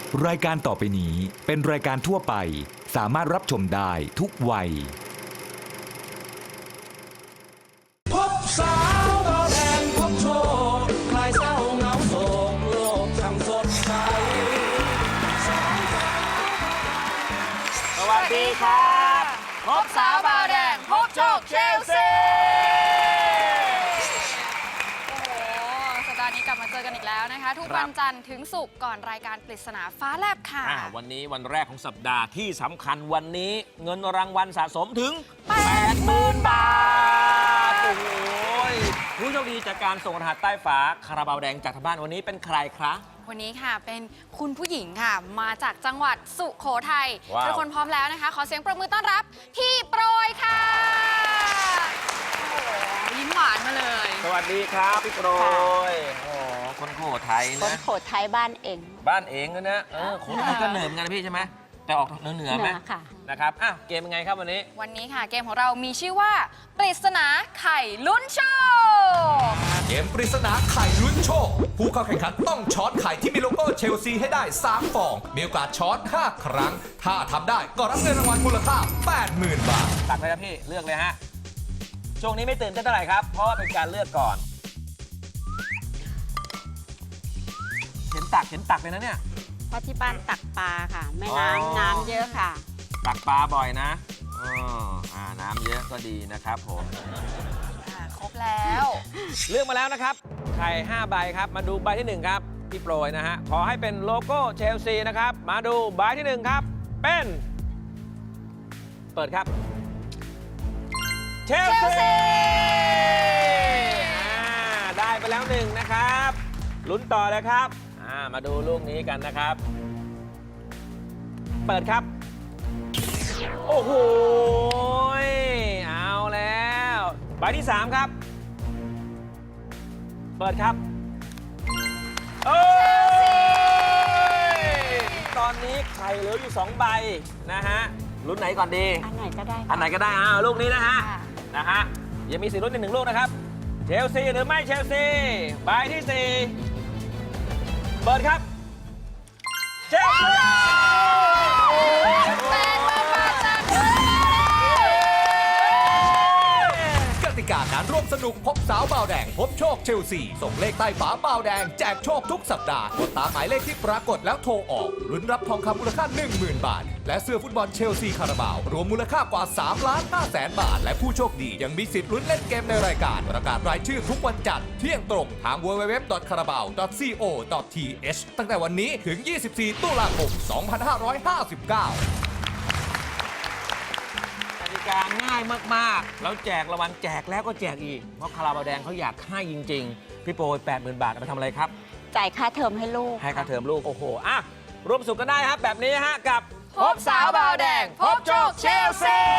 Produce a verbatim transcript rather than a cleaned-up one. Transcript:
รายการต่อไปนี้เป็นรายการทั่วไปสามารถรับชมได้ทุกวัยพบสาวเบาแดงพบโชคคลายเศร้าเหงาโศกโลกช่างสดใสสวัสดีครับพบสาวเบาแดงพบโชคเชลซีนี้กลับมาเจอกันอีกแล้วนะคะทุกวันจันทร์ถึงศุกร์ก่อนรายการปริศนาฟ้าแลบค่ะวันนี้วันแรกของสัปดาห์ที่สำคัญวันนี้เงินรางวัลสะสมถึง แปดหมื่น บาทโอ้โหผู้โชคดีจากการส่งรหัสใต้ฝาคาราบาวแดงจากทางบ้านวันนี้เป็นใครครับวันนี้ค่ะเป็นคุณผู้หญิงค่ะมาจากจังหวัดสุโขทัยทุกคนพร้อมแล้วนะคะขอเสียงปรบมือต้อนรับพี่โปรยค่ะยิ้มหวานมาเลยสวัสดีครับพี่โปรยโอ้คนโขทัยนะคนโขทัยบ้านเองบ้านเองนะนะเออคนไทยก็เหนือเหมือนกันนะพี่ใช่ไหมแต่ออกเหนือเหนือไหมค่ะนะครับอ่ะเกมเป็นไงครับวันนี้วันนี้ค่ะเกมของเรามีชื่อว่าปริศนาไข่ลุ้นโชคเกมปริศนาไข่ลุ้นโชคผู้เข้าแข่งขันต้องช้อนไข่ที่มีโลโก้เชลซีให้ได้สามฟองมีโอกาสช้อนห้าครั้งถ้าทำได้ก็รับเงินรางวัลมูลค่า แปดหมื่น บาทตักเลยครับพี่เลือกเลยฮะช่วงนี้ไม่ตื่นเต้นเท่าไหร่ครับเพราะว่าเป็นการเลือกก่อนเห็นตักเห็นตักเลยนะเนี่ยเพราะที่บ้านตักปลาค่ะแม่น้ำน้ำเยอะค่ะตักปลาบ่อยนะอ๋ออ่าน้ำเยอะก็ดีนะครับผมครบแล้วเลือกมาแล้วนะครับไข่ห้าใบครับมาดูใบที่หนึ่งครับพี่โปรยนะฮะขอให้เป็นโลโก้เชลซีนะครับมาดูใบที่หนึ่งครับเป็นเปิดครับเชลซีได้ไปแล้วหนึ่งนะครับลุ้นต่อเลยครับมาดูลูกนี้กันนะครับเปิดครับโอ้โหเอาแล้วใบที่สามครับเปิดครับโอ้ยตอนนี้ไข่เหลืออยู่สองใบนะฮะลุ้นไหนก่อนดีอันไหนก็ได้อันไหนก็ได้อ้าวลูกนี้นะฮะนะฮะยังมีสิทธิ์ลุ้นอีกหนึ่งลูกนะครับเชลซีหรือไม่เชลซีใบที่สี่เปิดครับเชลซีกติกาการร่วมสนุกพบสาวบ่าวแดงพบโชคเชลซีส่งเลขใต้ฝาบ่าวแดงแจกโชคทุกสัปดาห์กดตามหมายเลขที่ปรากฏแล้วโทรออกลุ้นรับทองคำมูลค่า หนึ่งหมื่น บาทและเสื้อฟุตบอลเชลซีคาราบาวรวมมูลค่ากว่าสามล้านห้าแสนบาทและผู้โชคดียังมีสิทธิ์ลุ้นเล่นเกมในรายการประกาศรายชื่อทุกวันจันทร์เที่ยงตรงทาง ดับเบิลยู ดับเบิลยู ดับเบิลยู ดอท คาราบาว ดอท ซี โอ ดอท ที เอช ตั้งแต่วันนี้ถึงยี่สิบสี่ตุลาคมสองพันห้าร้อยห้าสิบเก้ากติกาง่ายมากๆแล้วแจกรางวัลแจกแล้วก็แจกอีกเพราะคาราบาวแดงเขาอยากให้จริงๆพี่โปรย แปดหมื่น บาทเอาไปทำอะไรครับจ่ายค่าเทอมให้ลูกให้ค่าเทอมลูกโอ้โหอ่ะร่วมสุขกันได้ครับแบบนี้ฮะกับพบสาวบ่าวแดงพบโชคเชลซี